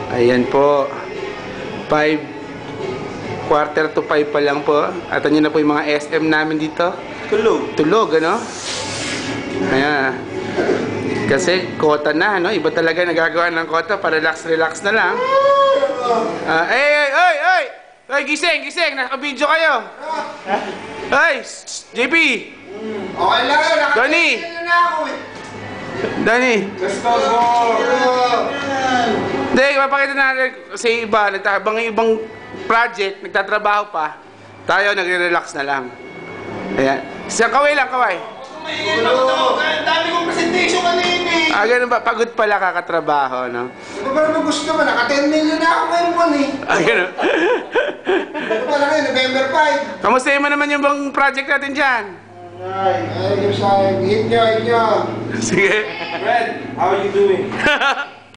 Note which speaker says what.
Speaker 1: Ayan po. 4:45 pa lang po. At nyo na po yung mga SM namin dito. Tulog, ano? Ayan. Kasi kota na, no? Iba talaga nagagawa ng kota para relax na lang. Ay, gising! Naka-video kayo! Ay, JP!
Speaker 2: Okay lang yun,
Speaker 1: Donnie!
Speaker 2: na ako eh.
Speaker 1: Donnie!
Speaker 2: Let's go!
Speaker 1: Hindi, mapakita natin sa iba, nagtabang ibang project, nagtatrabaho pa. Tayo, nagre-relax na lang. Ayan. Isang kaway lang, kaway.
Speaker 2: Maingin ako daw. Ang dami kong presentation kanina eh.
Speaker 1: Ganun ba? Pagod pala kakatrabaho, no?
Speaker 2: Ano ba naman gusto mo? Naka-10 million na ako ngayon po eh.
Speaker 1: Ganun.
Speaker 2: Ano pala ngayon? November 5.
Speaker 1: Kamusta mo naman yung bang project natin dyan?
Speaker 2: Ay, yung sa hit nyo.
Speaker 1: Sige.
Speaker 3: Fred, how are you doing?